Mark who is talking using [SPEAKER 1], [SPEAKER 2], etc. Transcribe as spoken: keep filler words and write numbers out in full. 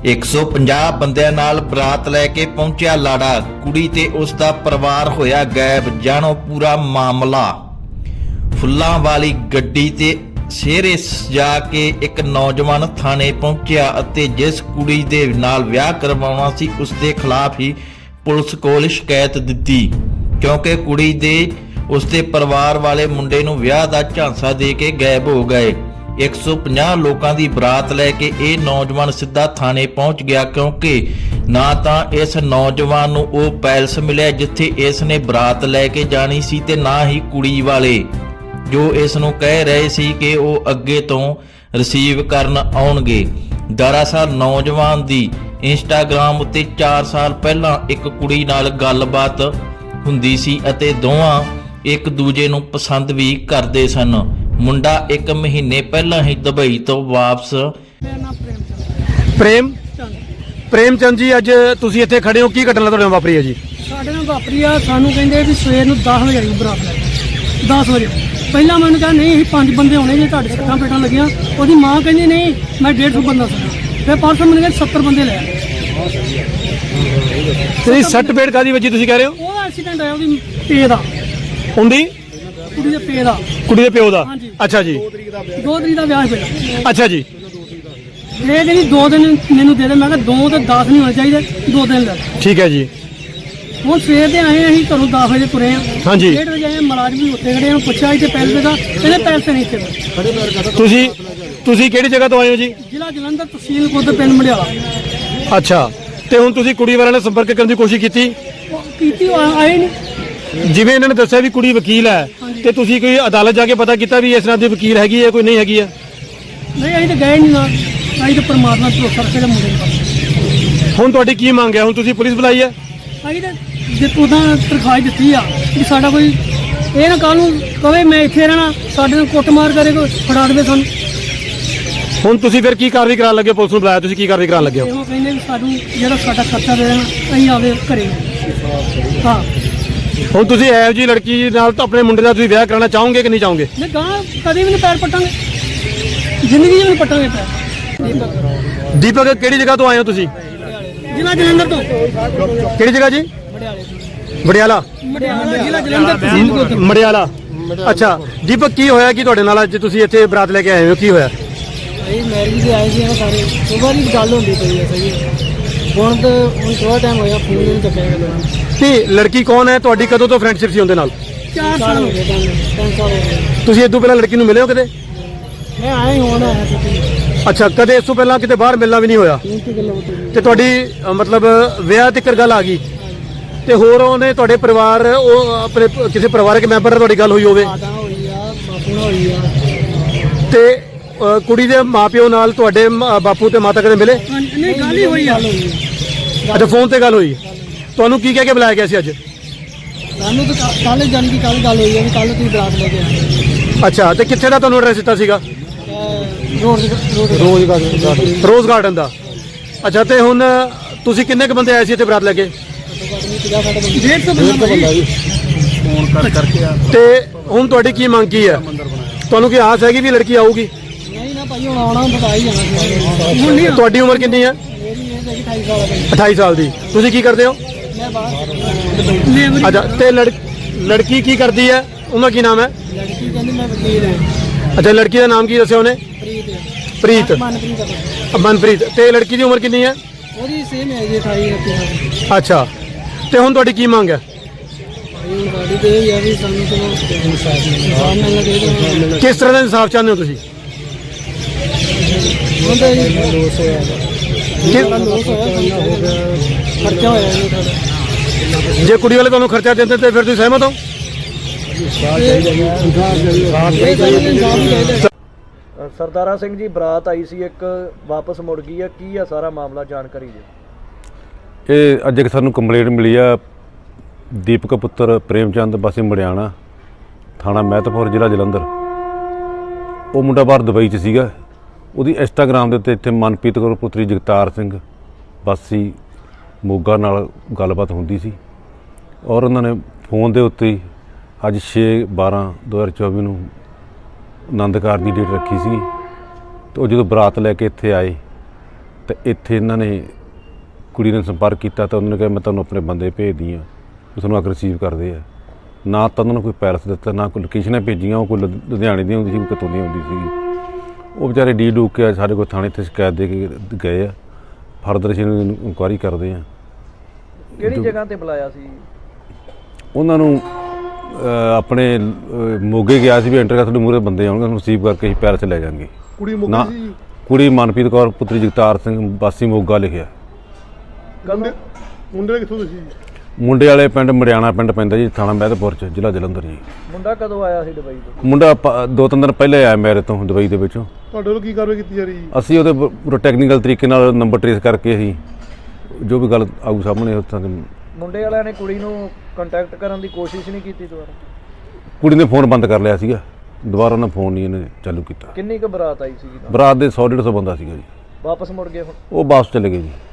[SPEAKER 1] एक सौ पचास ਬੰਦਿਆਂ ਨਾਲ ਬਰਾਤ ਲੈ ਕੇ ਪਹੁੰਚਿਆ ਲਾੜਾ, ਕੁੜੀ ਤੇ ਉਸ ਦਾ ਪਰਿਵਾਰ ਹੋਇਆ ਗਾਇਬ। ਜਾਣੋ ਪੂਰਾ ਮਾਮਲਾ। ਫੁੱਲਾਂ ਵਾਲੀ ਗੱਡੀ ਤੇ ਸਿਹਰੇ ਸਜਾ ਕੇ ਇੱਕ ਨੌਜਵਾਨ ਥਾਣੇ ਪਹੁੰਚਿਆ ਅਤੇ ਜਿਸ ਕੁੜੀ ਦੇ ਨਾਲ ਵਿਆਹ ਕਰਵਾਉਣਾ ਸੀ ਉਸ ਦੇ ਖਿਲਾਫ ਹੀ ਪੁਲਿਸ ਕੋਲ ਸ਼ਿਕਾਇਤ ਦਿੱਤੀ, ਕਿਉਂਕਿ ਕੁੜੀ ਦੇ ਉਸ ਦੇ ਪਰਿਵਾਰ ਵਾਲੇ ਮੁੰਡੇ ਨੂੰ ਵਿਆਹ ਦਾ ਝਾਂਸਾ ਦੇ ਕੇ ਗਾਇਬ ਹੋ ਗਏ। एक सौ पचास लोगों की बरात लैके ये नौजवान सीधा थाने पहुंच गया, क्योंकि ना तो इस नौजवान नूं वो पैलस मिलिया जिथे इसने बरात लैके जानी सी ते ना ही कुड़ी वाले जो इस नूं कह रहे सी कि वो अगे तो रिसीव करन आउणगे। दरअसल नौजवान दी इंस्टाग्राम उत्ते चार साल पहला एक कुड़ी नाल गलबात हुंदी सी अते दोवां एक दूजे नूं पसंद भी करदे सन। मुंडा एक महीने पहला ही दुबई तो वापस।
[SPEAKER 2] प्रेम प्रेम चंद जी, अज तुसीं इत्थे खड़े हो, की घटना तुहाडे नाल वापरी है जी?
[SPEAKER 3] ਸਾਡੇ ਨਾਲ ਵਾਪਰੀ ਆ। ਸਾਨੂੰ ਕਹਿੰਦੇ ਵੀ ਸਵੇਰ ਨੂੰ दस ਵਜੇ ਆਈ ਬਰਾਤ ਲੈ ਕੇ। दस ਵਜੇ ਪਹਿਲਾਂ ਮੈਨੂੰ ਕਿਹਾ ਨਹੀਂ ਅਸੀਂ ਪੰਜ ਬੰਦੇ ਹੋਣੇ ਜੇ ਤੁਹਾਡੇ ਸੱਟਾਂ ਪੇਟਾਂ ਲੱਗੀਆਂ। ਉਹਦੀ ਮਾਂ ਕਹਿੰਦੀ ਨਹੀਂ ਮੈਂ डेढ़ सौ ਬੰਦਾ ਸੀ। ਫਿਰ ਪਰਸੋਂ ਮੈਨੂੰ ਕਹਿੰਦੇ सत्तर ਬੰਦੇ ਲੈ ਆਏ।
[SPEAKER 2] ਤੇ ਸੱਟ ਪੇਟ ਕਾਦੀ ਵੱਜੀ ਤੁਸੀਂ ਕਹਿ ਰਹੇ ਹੋ?
[SPEAKER 3] ਉਹ ਐਕਸੀਡੈਂਟ ਹੋਇਆ ਉਹਦੀ ਪੇ ਦਾ,
[SPEAKER 2] ਹੁੰਦੀ
[SPEAKER 3] ਕੁੜੀ ਦੇ ਪੇ ਦਾ,
[SPEAKER 2] ਕੁੜੀ ਦੇ ਪਿਓ ਦਾ।
[SPEAKER 3] ਹਾਂਜੀ।
[SPEAKER 2] ਅੱਛਾ ਜੀ,
[SPEAKER 3] ਦੋ ਤਰੀਕ ਦਾ ਵਿਆਹ ਸੀ ਪਹਿਲਾਂ।
[SPEAKER 2] ਅੱਛਾ ਜੀ।
[SPEAKER 3] ਇਹ ਜਿਹੜੀ ਦੋ ਦਿਨ ਮੈਨੂੰ ਦੇ ਦੇ, ਮੈਂ ਕਿਹਾ ਦੋ ਤੇ ਦਸ ਨਹੀਂ ਹੋਣੇ ਚਾਹੀਦੇ, ਦੋ ਦਿਨ ਲੈ ਲਓ।
[SPEAKER 2] ਠੀਕ ਹੈ ਜੀ।
[SPEAKER 3] ਹੁਣ ਸਵੇਰ ਦੇ ਆਏ ਅਸੀਂ ਘਰੋਂ ਦਸ ਵਜੇ ਤੁਰੇ ਆ।
[SPEAKER 2] ਹਾਂਜੀ।
[SPEAKER 3] ਡੇਢ ਵਜੇ ਆਏ, ਮੁਲਾਜ਼ਮ ਵੀ ਉੱਥੇ ਖੜੇ ਆ। ਪੁੱਛਿਆ ਇੱਥੇ ਪੈਸੇ ਦਾ, ਇਹਦੇ ਪੈਸੇ ਨਹੀਂ ਇੱਥੇ।
[SPEAKER 2] ਤੁਸੀਂ ਤੁਸੀਂ ਕਿਹੜੀ ਜਗ੍ਹਾ ਤੋਂ ਆਏ ਹੋ ਜੀ?
[SPEAKER 3] ਜ਼ਿਲ੍ਹਾ ਜਲੰਧਰ, ਤਹਿਸੀਲ ਖੁਦ, ਪਿੰਡ ਮੰਡਿਆਲਾ।
[SPEAKER 2] ਅੱਛਾ, ਤੇ ਹੁਣ ਤੁਸੀਂ ਕੁੜੀ ਵਾਲਿਆਂ ਨਾਲ ਸੰਪਰਕ ਕਰਨ ਦੀ ਕੋਸ਼ਿਸ਼ ਕੀਤੀ?
[SPEAKER 3] ਕੀਤੀ, ਉਹ ਆਏ ਨਹੀਂ।
[SPEAKER 2] ਜਿਵੇਂ ਇਹਨਾਂ ਨੇ ਦੱਸਿਆ ਵੀ ਕੁੜੀ ਵਕੀਲ ਹੈ, ਤੇ ਤੁਸੀਂ ਕੋਈ ਅਦਾਲਤ ਜਾ ਕੇ ਪਤਾ ਕੀਤਾ ਵੀ ਇਸ ਨਾਲ ਦੀ ਵਕੀਲ ਹੈਗੀ ਹੈ ਕੋਈ ਨਹੀਂ ਹੈਗੀ ਹੈ?
[SPEAKER 3] ਨਹੀਂ, ਅਸੀਂ ਤਾਂ ਗਏ ਨਹੀਂ ਨਾਲ। ਅਸੀਂ ਤਾਂ ਪਰਮਾਤਮਾ ਤੋਂ ਭਰੋਸਾ ਰੱਖੇ ਮੁੰਡੇ ਨੂੰ।
[SPEAKER 2] ਹੁਣ ਤੁਹਾਡੀ ਕੀ ਮੰਗ ਹੈ? ਹੁਣ ਤੁਸੀਂ ਪੁਲਿਸ ਬੁਲਾਈ ਹੈ?
[SPEAKER 3] ਅਸੀਂ ਤਾਂ ਜੇ ਉਦਾਂ ਤਰਖਾਹ ਦਿੱਤੀ ਆ ਕਿ ਸਾਡਾ ਕੋਈ ਇਹ ਨਾ ਕੱਲ੍ਹ ਨੂੰ ਕਵੇ ਮੈਂ ਇੱਥੇ ਰਹਿਣਾ, ਸਾਡੇ ਨਾਲ ਕੁੱਟਮਾਰ ਕਰੇ, ਕੋਈ ਫੜਾ ਦੇਵੇ ਸਾਨੂੰ।
[SPEAKER 2] ਹੁਣ ਤੁਸੀਂ ਫਿਰ ਕੀ ਕਾਰਵਾਈ ਕਰਾਉਣ ਲੱਗੇ? ਪੁਲਿਸ ਨੂੰ ਬੁਲਾਇਆ, ਤੁਸੀਂ ਕੀ ਕਾਰਵਾਈ ਕਰਾਉਣ ਲੱਗੇ ਹੋ?
[SPEAKER 3] ਉਹ ਕਹਿੰਦੇ ਵੀ ਸਾਨੂੰ ਜਿਹੜਾ ਸਾਡਾ ਖਰਚਾ ਦੇ ਦੇਣਾ, ਅਸੀਂ ਆਵੇ ਘਰੇ। ਹਾਂ,
[SPEAKER 2] ਹੁਣ ਤੁਸੀਂ ਇਹੋ ਜਿਹੀ ਲੜਕੀ ਨਾਲ ਤਾਂ ਆਪਣੇ ਮੁੰਡੇ ਦਾ ਤੁਸੀਂ ਵਿਆਹ ਕਰਾਉਣਾ ਚਾਹੋਗੇ ਕਿ ਨਹੀਂ ਚਾਹੋਗੇ?
[SPEAKER 3] ਨਹੀਂ ਗਾਂ ਕਦੇ ਵੀ ਨਹੀਂ ਪੈਰ ਪੱਟਾਂਗੇ, ਜ਼ਿੰਦਗੀ 'ਚ ਵੀ ਨਹੀਂ ਪੱਟਾਂਗੇ ਪੈਰ। ਦੀਪਕ
[SPEAKER 2] ਦੀਪਕ, ਕਿਹੜੀ ਜਗ੍ਹਾ ਤੋਂ ਆਏ ਹੋ ਤੁਸੀਂ?
[SPEAKER 3] ਜ਼ਿਲ੍ਹਾ ਜਲੰਧਰ ਤੋਂ।
[SPEAKER 2] ਕਿਹੜੀ ਜਗ੍ਹਾ ਜੀ? ਮੜਿਆਲਾ।
[SPEAKER 3] ਮੜਿਆਲਾ ਜ਼ਿਲ੍ਹਾ ਜਲੰਧਰ, ਤਹਿਸੀਲ ਖੁਦ।
[SPEAKER 2] ਮੜਿਆਲਾ। ਅੱਛਾ ਦੀਪਕ, ਕੀ ਹੋਇਆ ਕਿ ਤੁਹਾਡੇ ਨਾਲ ਅੱਜ ਤੁਸੀਂ ਇੱਥੇ ਬਰਾਤ ਲੈ ਕੇ ਆਏ ਹੋ? ਕੀ ਹੋਇਆ?
[SPEAKER 3] ਅਸੀਂ ਮੈਰਿਜ ਦੇ ਆਏ ਸੀ ਨਾ ਸਾਰੇ, ਸੁਬਾਹ ਦੀ ਗੱਲ ਹੁੰਦੀ ਪਈ ਹੈ। ਸਹੀ ਹੈ, ਹੁਣ ਤਾਂ ਹੁਣ ਥੋੜਾ ਟਾਈਮ ਹੋਇਆ, ਫੋਨ ਨਹੀਂ ਚੱਕਿਆ ਗਿਆ।
[SPEAKER 2] ਤੇ ਲੜਕੀ ਕੌਣ ਹੈ ਤੁਹਾਡੀ? ਕਦੋਂ ਤੋਂ ਫਰੈਂਡਸ਼ਿਪ ਸੀ ਉਹਦੇ ਨਾਲ?
[SPEAKER 3] ਚਾਰ ਸਾਲ ਹੋ ਗਏ, ਤਿੰਨ ਸਾਲ ਹੋ ਗਏ।
[SPEAKER 2] ਤੁਸੀਂ ਇਸ ਤੋਂ ਪਹਿਲਾਂ ਲੜਕੀ ਨੂੰ ਮਿਲੇ ਹੋ ਕਦੇ?
[SPEAKER 3] ਮੈਂ ਆਏ ਹੁਣ ਆਇਆ ਸੀ।
[SPEAKER 2] ਅੱਛਾ, ਕਦੇ ਇਸ ਤੋਂ ਪਹਿਲਾਂ ਕਿਤੇ ਬਾਹਰ ਮਿਲਣਾ ਵੀ ਨਹੀਂ ਹੋਇਆ? ਤੇ ਤੁਹਾਡੀ ਅ, ਮਤਲਬ ਵਿਆਹ ਤੱਕ ਗੱਲ ਆ ਗਈ, ਤੇ ਹੋਰ ਉਹਨੇ ਤੁਹਾਡੇ ਪਰਿਵਾਰ, ਉਹ ਆਪਣੇ ਕਿਸੇ ਪਰਿਵਾਰਕ ਮੈਂਬਰ ਨਾਲ ਤੁਹਾਡੀ ਗੱਲ ਹੋਈ ਹੋਵੇ?
[SPEAKER 3] ਮਾਤਾ ਹੋਈ ਆ, ਬਾਪੂ ਨਾਲ ਹੋਈ ਆ।
[SPEAKER 2] ਤੇ ਅ, ਕੁੜੀ ਦੇ ਮਾਪਿਓ ਨਾਲ ਤੁਹਾਡੇ ਮ- ਬਾਪੂ ਤੇ ਮਾਤਾ ਕਦੇ ਮਿਲੇ?
[SPEAKER 3] ਨਹੀਂ, ਗੱਲ ਹੀ ਹੋਈ ਆ।
[SPEAKER 2] ਅੱਛਾ, ਫੋਨ ਤੇ ਗੱਲ ਹੋਈ। ਤੁਹਾਨੂੰ ਕੀ ਕਹਿ ਕੇ ਬੁਲਾਇਆ ਗਿਆ ਸੀ ਅੱਜ?
[SPEAKER 3] ਸਾਨੂੰ ਤਾਂ ਕੱਲ ਜਾਣ ਦੀ ਕੱਲ ਗੱਲ ਹੋਈ ਹੈ ਵੀ ਕੱਲ ਤੁਸੀਂ ਬਰਾਤ ਲੈ ਕੇ ਆਏ।
[SPEAKER 2] ਅੱਛਾ, ਤੇ ਕਿੱਥੇ ਦਾ ਤੁਹਾਨੂੰ ਐਡਰੈਸ ਦਿੱਤਾ ਸੀਗਾ?
[SPEAKER 3] Rose rose garden.
[SPEAKER 2] Rose garden ਦਾ। ਅੱਛਾ, ਤੇ ਹੁਣ ਤੁਸੀਂ ਕਿੰਨੇ ਕ ਬੰਦੇ ਆਏ ਸੀ ਇੱਥੇ ਬਰਾਤ ਲੈ ਕੇ?
[SPEAKER 3] ਡੇਢ ਸੌ ਬੰਦਾ ਜੀ।
[SPEAKER 2] ਫੋਨ ਕਰ ਕਰਕੇ ਆ। ਤੇ ਹੁਣ ਤੁਹਾਡੀ ਕੀ ਮੰਗ ਕੀ ਹੈ? ਤੁਹਾਨੂੰ ਕੀ ਆਸ ਹੈਗੀ ਵੀ ਲੜਕੀ ਆਊਗੀ?
[SPEAKER 3] ਨਹੀਂ ਨਾ ਭਾਈ, ਹੁਣ ਆਉਣਾ ਬਤਾ ਹੀ ਜਾਣਾ ਸੀ। ਹੁਣ ਨਹੀਂ।
[SPEAKER 2] ਤੁਹਾਡੀ ਉਮਰ ਕਿੰਨੀ ਹੈ?
[SPEAKER 3] ਮੇਰੀ ਇਹ ਹੈਗੀ ਅਠਾਈ ਸਾਲ ਦੀ।
[SPEAKER 2] ਅਠਾਈ ਸਾਲ ਦੀ। ਤੁਸੀਂ ਕੀ ਕਰਦੇ ਹੋ?
[SPEAKER 3] ਮੈਂ ਬਾਹਰ ਲੇਬਰ।
[SPEAKER 2] ਅੱਛਾ, ਤੇ ਲੜ ਲੜਕੀ ਕੀ ਕਰਦੀ ਹੈ? ਉਹਦਾ ਕੀ ਨਾਮ ਹੈ?
[SPEAKER 3] ਲੜਕੀ ਕਹਿੰਦੀ ਮੈਂ ਵਕੀਲ ਹਾਂ।
[SPEAKER 2] ਅੱਛਾ, ਲੜਕੀ ਦਾ ਨਾਮ ਕੀ ਦੱਸਿਆ ਉਹਨੇ?
[SPEAKER 3] ਪ੍ਰੀਤ।
[SPEAKER 2] ਪ੍ਰੀਤ।
[SPEAKER 3] ਮਨਪ੍ਰੀਤ।
[SPEAKER 2] ਮਨਪ੍ਰੀਤ। ਤੇ ਲੜਕੀ ਦੀ ਉਮਰ ਕਿੰਨੀ ਹੈ?
[SPEAKER 3] ਉਹਦੀ ਸੇਮ ਹੈ ਜੀ, ਅਠਾਈ ਉਨੱਤੀ ਸਾਲ।
[SPEAKER 2] ਅੱਛਾ, ਤੇ ਹੁਣ ਤੁਹਾਡੀ ਕੀ ਮੰਗ ਹੈ?
[SPEAKER 3] ਭਾਈ ਹੁਣ ਸਾਡੀ ਤੇ ਇਹ ਹੈ ਵੀ ਸਾਨੂੰ ਚਲੋ ਇਨਸਾਫ ਮਿਲਣਾ ਚਾਹੀਦਾ।
[SPEAKER 2] ਕਿਸ ਤਰ੍ਹਾਂ ਦਾ ਇਨਸਾਫ ਚਾਹੁੰਦੇ ਹੋ ਤੁਸੀਂ?
[SPEAKER 3] ਹੁਣ ਤਾਂ ਜੀ ਲੋਸ ਹੋਇਆ, ਲੋਸ ਹੋਇਆ, ਖਰਚਾ ਹੋਇਆ ਜੀ ਸਾਡਾ।
[SPEAKER 2] ਜੇ ਕੁੜੀ ਵਾਲੇ ਤੁਹਾਨੂੰ ਖਰਚਾ ਦਿੰਦੇ ਤੇ ਫਿਰ ਤੁਸੀਂ ਸਹਿਮਤ ਹੋ?
[SPEAKER 4] ਸਰਦਾਰਾ ਸਿੰਘ ਜੀ, ਬਰਾਤ ਆਈ ਸੀ ਇੱਕ, ਵਾਪਸ ਮੁੜ ਗਈ ਆ, ਕੀ ਆ ਸਾਰਾ ਮਾਮਲਾ? ਜਾਣਕਾਰੀ ਦਿਓ।
[SPEAKER 5] ਇਹ ਅੱਜ ਇੱਕ ਸਾਨੂੰ ਕੰਪਲੇਂਟ ਮਿਲੀ ਆ, ਦੀਪਕ ਪੁੱਤਰ ਪ੍ਰੇਮ ਚੰਦ ਵਾਸੀ ਮੜਿਆਣਾ, ਥਾਣਾ ਮਹਿਤਪੁਰ, ਜ਼ਿਲ੍ਹਾ ਜਲੰਧਰ। ਉਹ ਮੁੰਡਾ ਬਾਹਰ ਦੁਬਈ 'ਚ ਸੀਗਾ। ਉਹਦੀ ਇੰਸਟਾਗ੍ਰਾਮ ਦੇ ਉੱਤੇ ਇੱਥੇ ਮਨਪ੍ਰੀਤ ਕੌਰ ਪੁੱਤਰੀ ਜਗਤਾਰ ਸਿੰਘ ਵਾਸੀ ਮੋਗਾ ਨਾਲ ਗੱਲਬਾਤ ਹੁੰਦੀ ਸੀ, ਔਰ ਉਹਨਾਂ ਨੇ ਫੋਨ ਦੇ ਉੱਤੇ ਹੀ ਅੱਜ ਛੇ ਬਾਰਾਂ ਦੋ ਹਜ਼ਾਰ ਚੌਵੀ ਨੂੰ ਆਨੰਦ ਕਾਰਜ ਦੀ ਡੇਟ ਰੱਖੀ ਸੀ। ਤੇ ਉਹ ਜਦੋਂ ਬਰਾਤ ਲੈ ਕੇ ਇੱਥੇ ਆਏ ਤੇ ਇੱਥੇ ਇਹਨਾਂ ਨੇ ਕੁੜੀ ਨੇ ਸੰਪਰਕ ਕੀਤਾ ਤਾਂ ਉਹਨਾਂ ਨੇ ਕਿਹਾ ਮੈਂ ਤੁਹਾਨੂੰ ਆਪਣੇ ਬੰਦੇ ਭੇਜਦੀ ਹਾਂ, ਉਹ ਤੁਹਾਨੂੰ ਆ ਕੇ ਰਿਸੀਵ ਕਰਦੇ ਆ। ਨਾ ਤਾਂ ਉਹਨਾਂ ਨੂੰ ਕੋਈ ਪੈਲਸ ਦਿੱਤਾ, ਨਾ ਕੋਈ ਲੋਕੇਸ਼ਨਾਂ ਭੇਜੀਆਂ। ਉਹ ਕੋਈ ਲੁ- ਲੁਧਿਆਣੇ ਦੀ ਹੁੰਦੀ ਸੀ, ਕੋਈ ਕਿਤੋਂ ਦੀ ਹੁੰਦੀ ਸੀ। ਉਹ ਵਿਚਾਰੇ ਡੀ ਡੂਕ ਕੇ ਸਾਡੇ ਕੋਲ ਥਾਣੇ 'ਤੇ ਸ਼ਿਕਾਇਤ ਦੇ ਕੇ ਗਏ ਆ। ਫਰਦਰ ਅਸੀਂ ਇਨਕੁਆਇਰੀ ਕਰਦੇ ਆ।
[SPEAKER 4] ਕਿਹੜੀ ਜਗ੍ਹਾ ਤੇ ਬੁਲਾਇਆ ਸੀ?
[SPEAKER 5] ਉਹਨਾਂ ਨੂੰ ਅਹ, ਆਪਣੇ ਅਹ, ਮੋਗੇ ਗਿਆ ਸੀ ਵੀ ਐਂਟਰ ਕਰ ਤੁਹਾਡੇ ਮੂਹਰੇ ਬੰਦੇ ਆਉਣਗੇ, ਉਹਨੂੰ ਰਿਸੀਵ ਕਰਕੇ ਅਸੀਂ ਪੈਲਸ ਲੈ ਜਾਵਾਂਗੇ।
[SPEAKER 2] ਕੁੜੀ
[SPEAKER 5] ਨਾ ਕੁੜੀ ਮਨਪ੍ਰੀਤ ਕੌਰ ਪੁੱਤਰੀ ਜਗਤਾਰ ਸਿੰਘ ਵਾਸੀ ਮੋਗਾ ਲਿਖਿਆ।
[SPEAKER 2] ਮੁੰਡੇ ਮੁੰਡੇ ਕਿੱਥੋਂ ਤੁਸੀਂ?
[SPEAKER 5] ਮੁੰਡੇ ਵਾਲੇ ਪਿੰਡ ਮੜਿਆਣਾ ਪਿੰਡ ਪੈਂਦਾ ਜੀ, ਥਾਣਾ ਮਹਿਤਪੁਰ 'ਚ, ਜ਼ਿਲ੍ਹਾ ਜਲੰਧਰ ਜੀ।
[SPEAKER 4] ਮੁੰਡਾ ਕਦੋਂ ਆਇਆ ਸੀ ਦੁਬਈ ਤੋਂ?
[SPEAKER 5] ਮੁੰਡਾ ਪ- ਦੋ ਤਿੰਨ ਦਿਨ ਪਹਿਲੇ ਆਇਆ ਮੇਰੇ ਤੋਂ ਦੁਬਈ ਦੇ ਵਿੱਚੋਂ।
[SPEAKER 2] ਤੁਹਾਡੇ ਵੱਲੋਂ ਕੀ ਕਾਰਵਾਈ ਕੀਤੀ ਜਾ ਰਹੀ ਹੈ?
[SPEAKER 5] ਅਸੀਂ ਉਹਦੇ ਪ- ਪੂਰਾ ਟੈਕਨੀਕਲ ਤਰੀਕੇ ਨਾਲ ਨੰਬਰ ਟ੍ਰੇਸ ਕਰਕੇ ਅਸੀਂ ਜੋ ਵੀ ਗੱਲ ਆਊ ਸਾਹਮਣੇ ਉੱਥਾਂ ਦੇ।
[SPEAKER 4] ਮੁੰਡੇ ਵਾਲਿਆਂ ਨੇ ਕੁੜੀ ਨੂੰ ਕੰਟੈਕਟ ਕਰਨ ਦੀ ਕੋਸ਼ਿਸ਼ ਨਹੀਂ ਕੀਤੀ ਦੁਬਾਰਾ?
[SPEAKER 5] ਕੁੜੀ ਨੇ ਫੋਨ ਬੰਦ ਕਰ ਲਿਆ ਸੀਗਾ, ਦੁਬਾਰਾ ਉਹਨਾਂ ਫੋਨ ਨਹੀਂ ਇਹਨੇ ਚਾਲੂ ਕੀਤਾ।
[SPEAKER 4] ਕਿੰਨੀ ਕੁ ਬਰਾਤ ਆਈ ਸੀਗੀ ਨਾਲ?
[SPEAKER 5] ਬਰਾਤ ਦੇ ਸੌ ਡੇਢ ਸੌ ਬੰਦਾ ਸੀਗਾ ਜੀ।
[SPEAKER 4] ਵਾਪਸ ਮੁੜ ਗਏ ਹੁਣ?
[SPEAKER 5] ਉਹ ਵਾਪਸ ਚਲੇ ਗਏ ਜੀ।